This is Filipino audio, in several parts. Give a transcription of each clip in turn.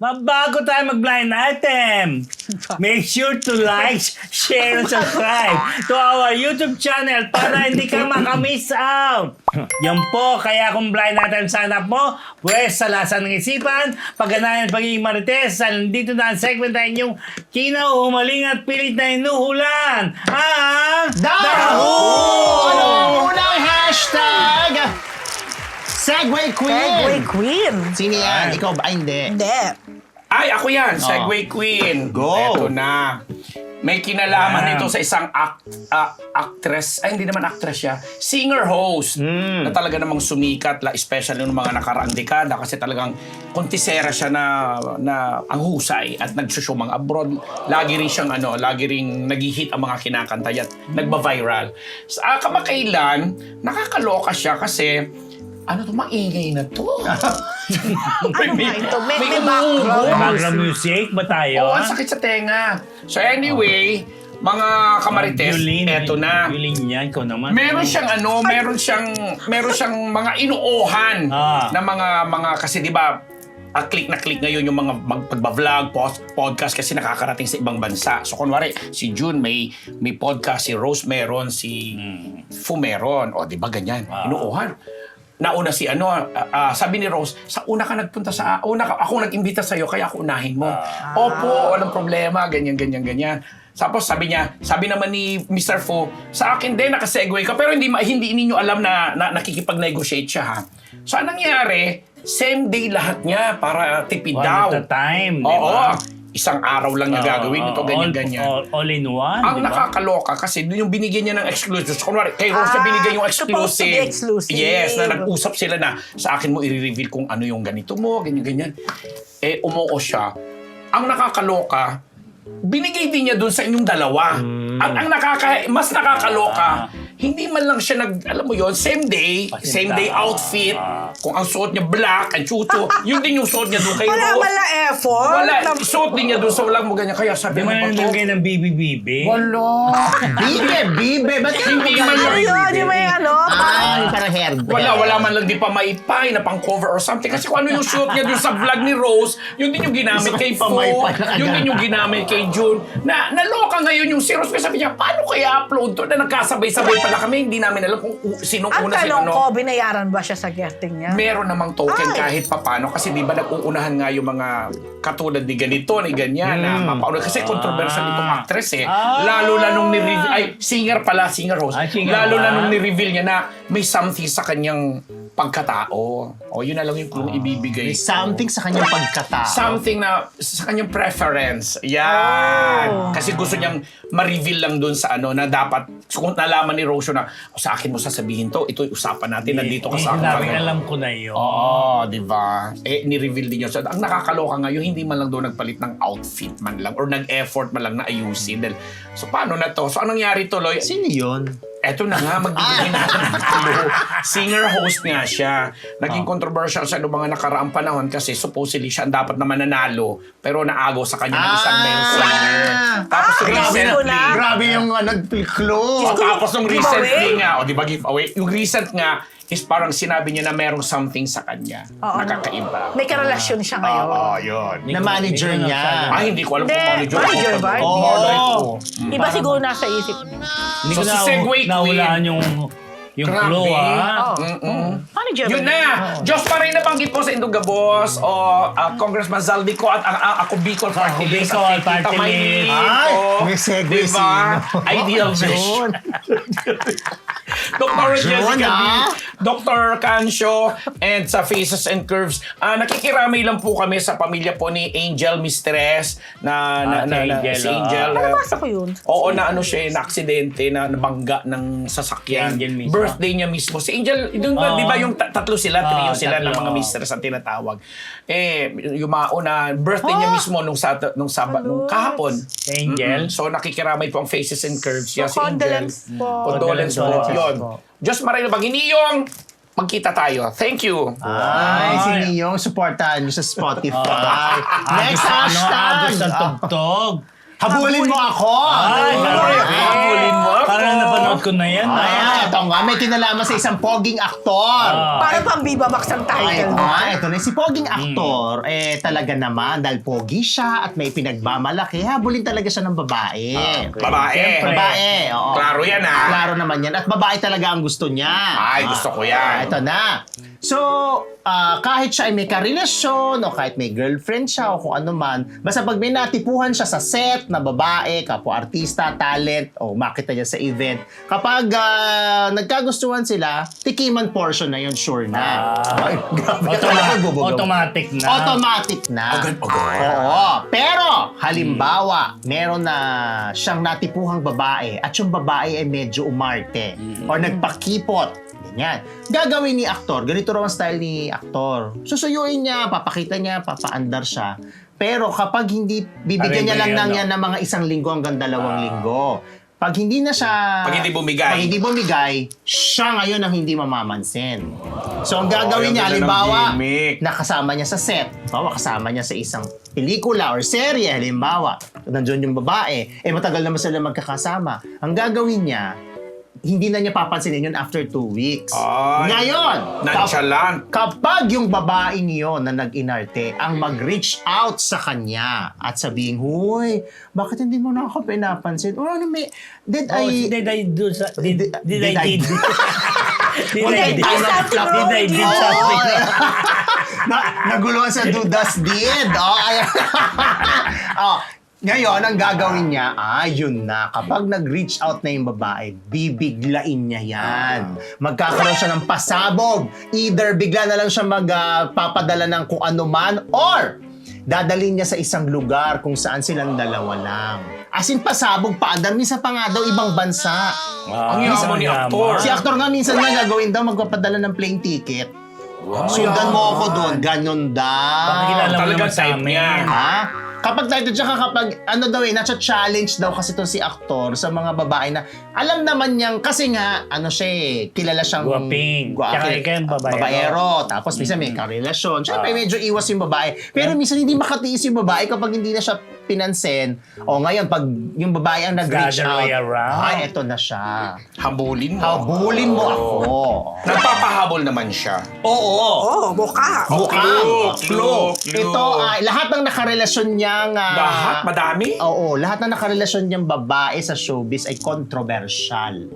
Mabago tayo mag-blind item. Make sure to like, share, and subscribe to our YouTube channel para hindi ka makamiss out. Yan po, kaya kung blind item sa hanap mo, pwes sa lasa ng isipan, pagganahan at pagiging marites, nandito na ang segment na inyong kinauhumaling at pilit na inuhulan. Ang Daho! Ano ang unang hashtag? Segway Queen! Segway Queen. Sino yan? Ikaw ba? Ay, hindi. Hindi. Ay, ako yan. Segway Queen. Go. Eto na. May kinalaman ito sa isang actress. Ay, hindi naman actress siya. Singer-host. Na talaga namang sumikat, especially noong mga nakaraang dekada. Kasi talagang kontisera siya na ang husay at nagsusyumang abroad. Lagi rin siyang lagi ring nag-hit ang mga kinakanta at nagba-viral. Sa kamakailan, nakakaloka siya kasi maingay na to. Ano ba ito? May umuungol. background music ba tayo? Oo, ang sakit sa tenga. So anyway, mga kamarites, eto na. Violin yan, ikaw naman. Meron siyang meron siyang mga inuohan na mga kasi 'di ba, click na click ngayon yung mga pagba-vlog, podcast kasi nakakarating sa ibang bansa. So kunwari, si June may podcast, si Rose meron, si Fu meron. O 'di ba ganyan? Inuohan. Nauna si sabi ni Rose, ako nag-imbita sa'yo, kaya ako unahin mo. Opo, walang problema, ganyan. Tapos sabi naman ni Mr. Fu, sa akin din, nakasegue ka, pero hindi ninyo alam na nakikipag-negotiate siya, ha? So, anong nangyari? Same day lahat niya para tipid daw. One at a time, di Oo. ba? Isang araw lang niya gagawin ito, ganyan. All in one, Ang di ba? nakakaloka kasi yung binigyan niya ng exclusive. So, kunwari, kay Rose siya binigyan yung supposed to be exclusive. exclusive. Yes, na nag-usap sila na sa akin mo i-reveal kung ano yung ganito mo, ganyan. Umuo siya. Ang nakakaloka, binigay din niya dun sa inyong dalawa. At ang mas nakakaloka, hindi man lang siya alam mo yon, same day outfit. Kung ang suot niya black, ang chucho, yun din yung suot niya doon kay Wala Rose. wala effort. Wala, suot din niya doon sa walang mo ganyan. Kaya sabi Di mo man pa to. nalagay ng bibi-bibi. Wala. Bibe! Ba't ka Hindi man Ano lang. yun? Yung may Ay, parang hairband. Wala man lang di pa maipay na pang cover or something. Kasi kung ano yung shoot niya dun sa vlog ni Rose, yun din yung ginamit kay Fo, Pamaypay na yun agad. din yung ginamit kay June. Naloka ngayon yung si Rose. Kasi sabi niya, paano kaya upload to? Na nagkasabay-sabay pala kami. Hindi namin alam kung sinong Ang una tanong ko, binayaran ba siya sa getting niya? Meron namang token Ay. kahit papano kasi di ba nag-uunahan nga yung mga katulad ni ganito, ni ganyan na mapauna. Kasi controversial itong actress eh. Lalo na nung ni-reveal, singer host. Singer Lalo na ba? nung ni-reveal niya na may something sa kanyang pagkatao. O yun na lang yung clue ibibigay. May something sa kanyang pagkatao. Something na sa kanyang preference. Yan. Kasi gusto niyang ma-reveal lang dun sa na dapat kung nalaman ni Rosio na sa akin mo sasabihin to, ito usapan natin, nandito ka sa akin. Alam ko na yun. Oo, di ba? Ni-reveal din yun. So, ang nakakaloka ngayon, hindi man lang doon nagpalit ng outfit man lang or nag-effort man lang na ayusin. So, paano na to? So, anong nangyari tuloy? Sino yun? Eto na nga, magbibigay natin ng clue. Singer-host nga siya. Naging controversial siya noong mga nakaraang panahon kasi supposedly siya ang dapat na mananalo pero naagaw sa kanya ng isang male singer. Tapos recently, Grabe yung nag-clue. tapos nung recently Giveaway? nga, di ba giveaway? Yung recent nga is parang sinabi niya na merong something sa kanya. Oo, Nakakaiba. May karelasyon siya ngayon. Oo, yun. Na manager niya. Ay, hindi ko alam kung Hindi, manager. manager ba? Oo. Oo. Iba siguro nasa isip niya. Hindi ko So, si Segway Queen. nahulaan yung Grabe. clue, ha? Manager Yun ba? na! Diyos pa rin nabanggit po sa Indong Gabos o Congressman Zaldico at ako Bicol Party List Bicol at Party Tita Maynito. Ay, may segue Diba? sino? Ideal fish. June. Dr. June, Jessica B, ah. Dr. Cancio, and sa Faces and Curves. Nakikiramay lang po kami sa pamilya po ni Angel Mistress Si Angel, si Angel. Nabasa ko yun. Oo, na aksidente, na nabangga ng sasakyan. Angel mismo. Birthday niya mismo. Si Angel, di ba yung tatlo sila, trio sila ng mga tatlo. mistress ang tinatawag. Yumao na birthday niya mismo nung kahapon. Angel. So nakikiramay po ang Faces and Curves. So, Yes, si Angel. condolence po. Condolence po. Condolence Yun. po. Diyos maray na Baginiyong, magkita tayo. Thank you. Ay, si Niyong, supportahan nyo sa Spotify. Next Agos hashtag! ang tugtog. Habulin mo ako! Ay, Ano? grabe. Habulin mo ako. Parang napanood ko na yan. Ay, ito nga, may kinalaman sa isang poging aktor. Para pang Viva Max ang Ay, title. ito na. Si poging aktor, talaga naman, dahil pogi siya at may pinagmamalaki, habulin talaga siya ng babae. Babae. Siyempre. Babae, oo. Klaro yan, ha? Klaro naman yan. At babae talaga ang gusto niya. Ay, gusto ko yan. Ito na. So, kahit siya ay may karelasyon o kahit may girlfriend siya o kung ano man, basta pag may natipuhan siya sa set na babae, kapwa-artista, talent, o makita niya sa event, kapag nagkagustuhan sila, tikiman portion na yun, sure na. Ay, grabe. Automatic na. Automatic na. Agad. Oo. Pero, halimbawa, meron na siyang natipuhang babae at yung babae ay medyo umarte or nagpakipot. Ganyan. Gagawin ni aktor, ganito raw ang style ni aktor. Susuyuin niya, papakita niya, papaandar siya. Pero kapag hindi, bibigyan niya lang ng mga 1 linggo hanggang 2 linggo. Pag hindi na siya... Pag hindi bumigay. siya ngayon ang hindi mamamansin. So, ang gagawin yung niya, ganda ng halimbawa, gimmick. nakasama niya sa set. Halimbawa, kasama niya sa isang pelikula or serye, halimbawa. Nandiyon yung babae. Matagal naman sila magkakasama. Ang gagawin niya, hindi na niya papansinin yun after 2 weeks. Ay, Ngayon, nonchalant. kapag yung babaeng yun na nag-inarte ang mag-reach out sa kanya at sabihin, "Huy, bakit hindi mo na ako pinapansin?" O ano may, did Oh, I... did I do something? Did I I- did? Did Okay, I did? I'm not Did I did Oo. something? Naguluhan sa dudas did. Ayan. Ngayon, ang gagawin niya, yun na. Kapag nag-reach out na yung babae, bibiglain niya yan. Magkakaroon siya ng pasabog. Either bigla na lang siya magpapadala ng kung ano man, or dadalhin niya sa isang lugar kung saan silang dalawa lang. As in, pasabog, paandar. Minsan pa nga daw, ibang bansa. Ang yaman ni aktor. Si aktor nga, minsan nga gagawin daw, magpapadala ng plane ticket. Sundan mo ako doon, ganun daw. Bakit kilala mo Talagang naman sa type amin? niya. Ha? Kapag tayo, tsaka kapag, nasa challenge daw kasi to si aktor sa mga babae na, alam naman niyang, kasi nga, siya kilala siyang... Guwaping. Tsaka ikaw yung babaero. Babaero. Tapos minsan may karelasyon. Siyempre, medyo iwas yung babae. Pero minsan hindi makatiis yung babae kapag hindi na siya pinansin. O ngayon, pag yung babae ang nag-reach The other out, way around. eto na siya. Habulin mo. Habulin mo ako. Nagpapahabol naman siya. Oo. Mukha. Clue. Clue. Ito, lahat ng nakarelasyon niyang... Lahat? Madami? Oo, lahat ng nakarelasyon niyang babae sa showbiz ay controversial.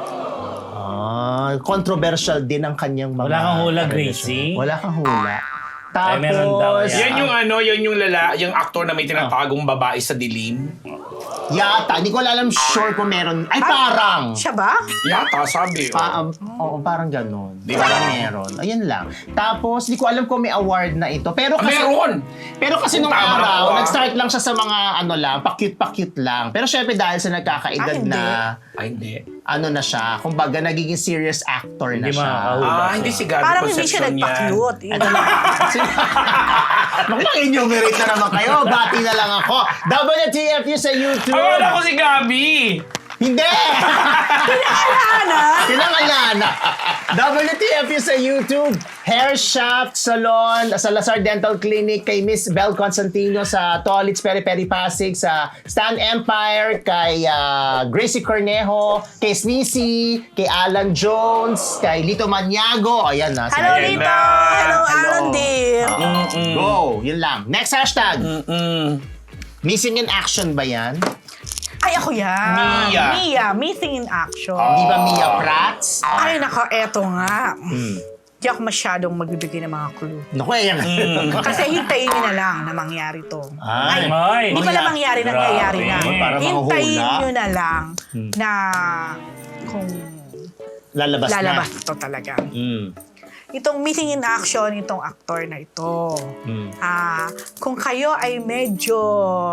Controversial din ang kanyang mga... Wala kang hula, karelasyon. Gracie? Wala kang hula. Ay, meron daw Tapos... yan. Yan yung aktor na may tinatagong babae sa dilim. Yata, hindi ko alam sure kung meron. Ay, parang! Siya ba? Yata, sabi. Oo, parang ganun. Di ba? Parang meron. Ayun lang. Tapos, di ko alam kung may award na ito. Pero kasi... Meron! Pero kasi nung Tama araw, ako, nag-start lang siya sa mga pa-cute lang. Pero syempre dahil sa nagkakaedad hindi. na, Ay, hindi. na siya, kumbaga nagiging serious actor na Hindi siya. makakahula. Hindi si Gabi Parang hindi siya Concepcion yan. nagpa-cute. Ano na? Mag-enumerate na naman kayo. Bati na lang ako. WTFU sa YouTube. Akala ko si Gabi! Hindi! Ana? Kinangalana. WTFU sa YouTube. Hair Shaft Salon sa Lazar Dental Clinic, kay Miss Bel Constantino sa Tolits Peri Peri Pasig, sa Stan Empire, kay Gracie Cornejo, kay Sneezy, kay Alan Jones, kay Lito Maniago. Ayan na. Hello, Ayan Lito! na. Hello, Alan dear! Go! Yun lang. Next hashtag. Missing in action ba yan? Ay, ako yan. Mia. Mia, missing in action. Di ba Mia Prats? Ay, nako, eto nga. Di ako masyadong magbibigay ng mga clue. Naku, yan. Kasi hintayin nyo na lang na mangyari to. Ay. Ay. Hindi pala mangyari, nangyayari na. Grabe. Para Hintayin mahuhula. nyo na lang na kung Lalabas na. lalabas to talaga. Itong missing in action, itong aktor na ito. Kung kayo ay medyo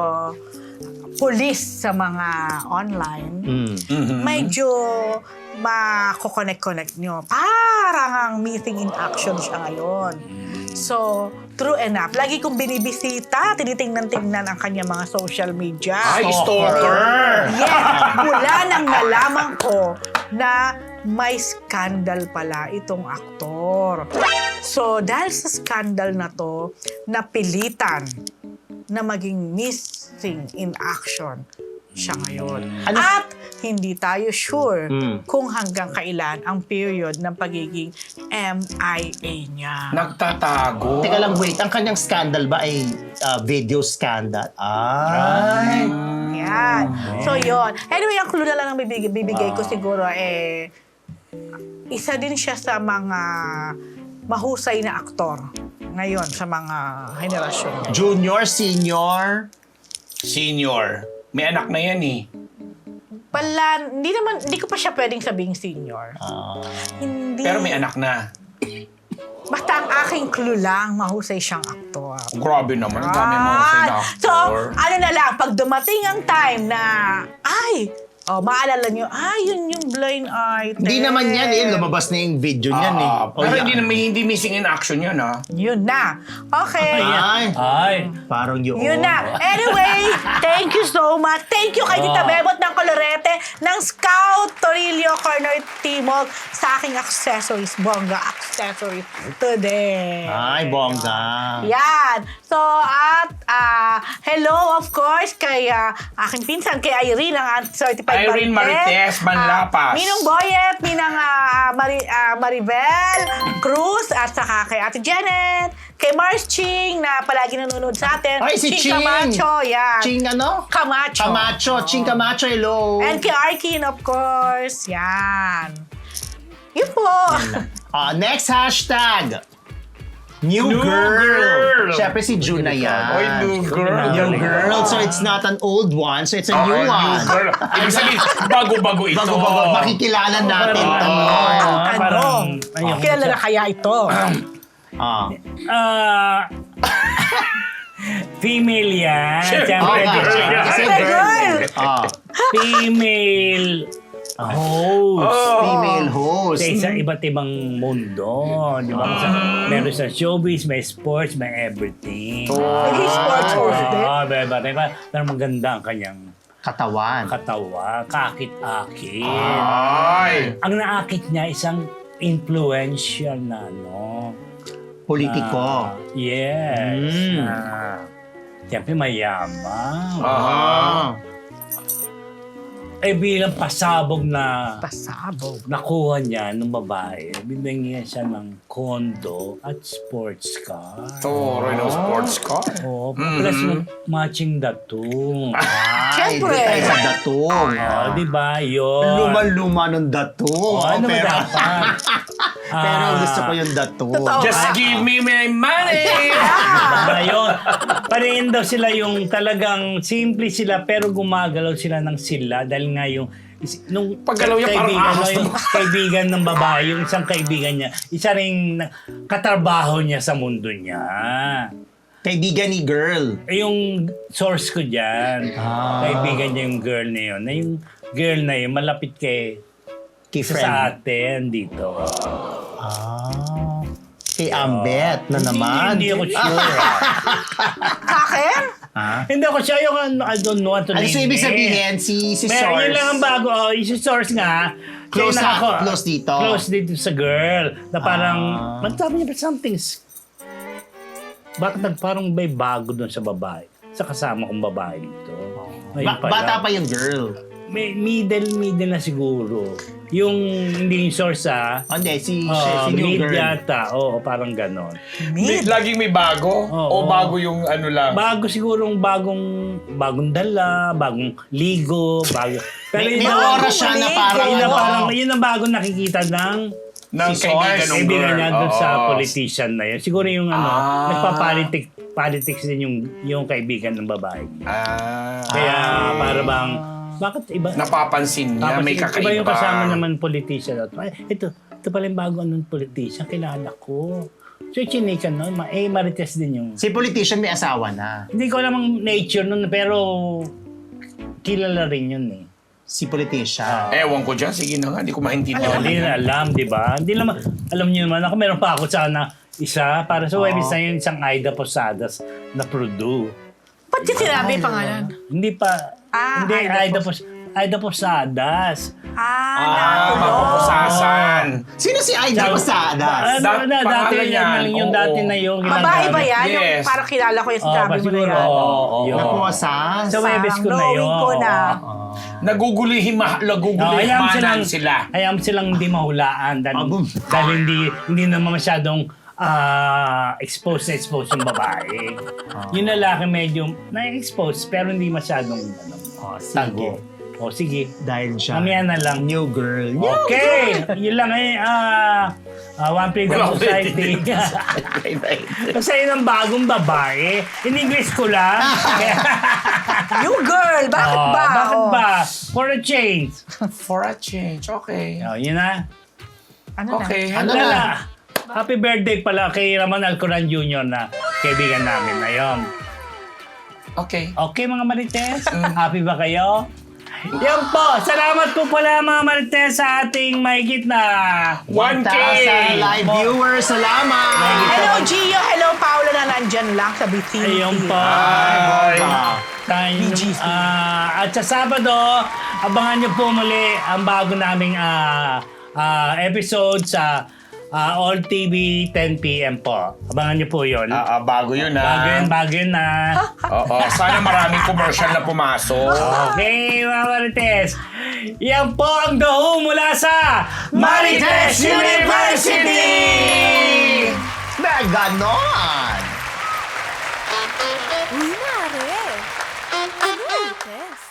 police sa mga online, medyo mako-connect nyo. Parang ang missing in action siya ngayon. So, true enough. Lagi kong binibisita, tinitingnan-tingnan ang kanya mga social media. Ay, stalker! Yes! Mula nang nalaman ko na may scandal pala itong aktor. So, dahil sa scandal na to, napilitan na maging missing in action siya ngayon. Ano- At hindi tayo sure Mm. kung hanggang kailan ang period ng pagiging MIA niya. Nagtatago. Teka lang, wait. Ang kanyang scandal ba ay video scandal? Ay. Yan. So, yun. Anyway, ang clue na lang ang bibigay ko siguro, isa din siya sa mga mahusay na aktor ngayon sa mga henerasyon niya. Junior, senior. Senior. May anak na yan eh. Hindi ko pa siya pwedeng sabing senior. Hindi. Pero may anak na. Basta ang aking clue lang, mahusay siyang aktor. Grabe naman. Ang dami mga sila. So, ano na lang, pag dumating ang time na, maalala nyo, yun yung blind item. Hindi naman yan eh. Lumabas na yung video niyan eh. Pero hindi missing in action yan Yun na. Okay. Ay. Parang yun. Yun na. Anyway, thank you so much. Thank you kay Tita Bebot ng Colorete, ng Scout Torillo Corner Timog sa aking accessories, bongga accessories today. Ay, bongga. Yan. So, at hello of course kay aking pinsan, kay Irene, ang certified Irene Marites Manlapas. Minong Boyet, Minang Maribel Cruz, at saka kay Ate Janet, kay Mars Ching na palagi nanonood sa atin. Ay, si Ching. Camacho, yan. Ching ano? Camacho. Camacho. Ching Camacho, hello. And kay Arkin, of course. Yan. Yun po. Next hashtag. New New girl. girl. Siyempre si June na yan. Oy, new girl. New girl. So it's not an old one. So it's a new New one. girl. Ibig sabihin, bago-bago ito. Bago-bago. Makikilala natin. Tanong. Kailan na kaya ito? Female yan. Siyempre, Siyempre, girl yan. Kasi Girl. female host. Female host. Sa iba't ibang mundo. Di ba? Meron sa showbiz, may sports, may everything. Naging sports host din. Pero maganda ang kanyang Katawan. katawa. Kakit-akit. Ay. Ang naakit niya isang influential na Politiko. yes. Mm. Siyempre mayaman. Bilang pasabog na Pasabog. nakuha niya ng babae, bibigyan siya ng kondo at sports car. Toro ng sports car. Oo, plus matching datong. Siyempre. Hindi tayo sa datong. Di ba? Yun. Luma-luma ng datong. Ano ba pero, dapat? pero gusto ko yung datong. Totoo. Just give me my money! Ayun. Parehin daw sila yung talagang simple sila pero gumagalaw sila ng sila dahil nga yung nung Paggalaw niya parang ahas yung kaibigan ng babae, yung isang kaibigan niya, isa ring katrabaho niya sa mundo niya. Kaibigan ni girl. Yung source ko dyan, kaibigan niya yung girl na yun. Na yung girl na yun, malapit kay Kay sa friend. atin dito. Kay Ambet na naman. Hindi ako sure. Sa akin? Hindi ako sure. I don't know what to Ano name so ibig it. sabihin? Si Meron Source. yun lang ang bago. Yung source nga. Close kaya up, close dito. Close dito sa girl. Na parang, magsabi niya ba something's... Bakit parang may bago doon sa babae? Sa kasama kong babae dito. Ayun pala. Bata pa yung girl. May middle na siguro. Yung hindi yung source Hindi, si new mid girl. yata. Oo, parang ganon. Laging may bago? Oo. O bago yung ano lang? Bago siguro bagong dala, bagong ligo, bago. Pero May yun oras siya na parang yun ang ano. parang yun ang bago nakikita ng Ng Si kaibigan Source. ng kaibigan girl. niya doon sa Oo. politician na yun. Siguro yung nagpa-politics din yung kaibigan ng babae. Kaya para bang bakit iba? Napapansin niya, Tapos may iba kakaiba. yung kasama naman politician. Ito pala yung bago anong politician, kilala ko. So, chinikan nun, marites din yung... Si politician may asawa na. Hindi ko alam ang nature nun, pero kilala rin yun eh. Si politician. Ewan ko dyan, sige na nga, hindi ko maintindihan. Hindi na alam, di ba? Hindi naman, alam niyo naman, ako meron pa ako sana isa, para sa webis na yun, isang Aida Posadas na Purdue. Ba't yung sinabi pangalan? Hindi pa, hindi Aida Aida Posadas. Aida Posadas. Nakulong. mapupusasan. Sino si Aida Posadas? pangalan yan. Yung Oo. dati na yung Babae ba yan? Yes. Yung parang kilala ko yung sinabi mo na siguro. yan. Yun. Napuwasas? Sa Webes ko na yun. Knowing ko na. Nagugulihimanan sila. Hayaan silang hindi mahulaan dahil hindi naman masyadong expose yung babae. Yung lalaki medyo na-expose pero hindi masyadong tago. O sige. Dahil siya. Mamaya na lang. New girl. Okay! Yun lang One Freedom Society. Kasi yun ang bagong babae. In English ko lang. You girl, bakit ba? Bakit Oh. ba? For a change. For a change, okay. Yun na. Ano Okay, Ano hello. na? Happy birthday pala kay Raman Alcoran Jr. na kaibigan namin. Ayun. Okay. Okay mga Marites? Happy ba kayo? Yan po. Salamat po pala mga Marites sa ating mahigit na 1K! 1,000 live viewers. Salamat! Hello, Gio. Hello, Paolo na nandyan lang sa Bikini. Ayun po. Bye. BGC. At sa Sabado, abangan niyo po muli ang bago naming episode sa All TV 10 p.m. po. Abangan niyo po yun. Bago yun ha. Bago yun na. Oo, sana maraming commercial na pumasok. Okay, mga Marites. Yan po ang The Who mula sa Marites University! Na ganon! Uy, Mare! Ano, Marites?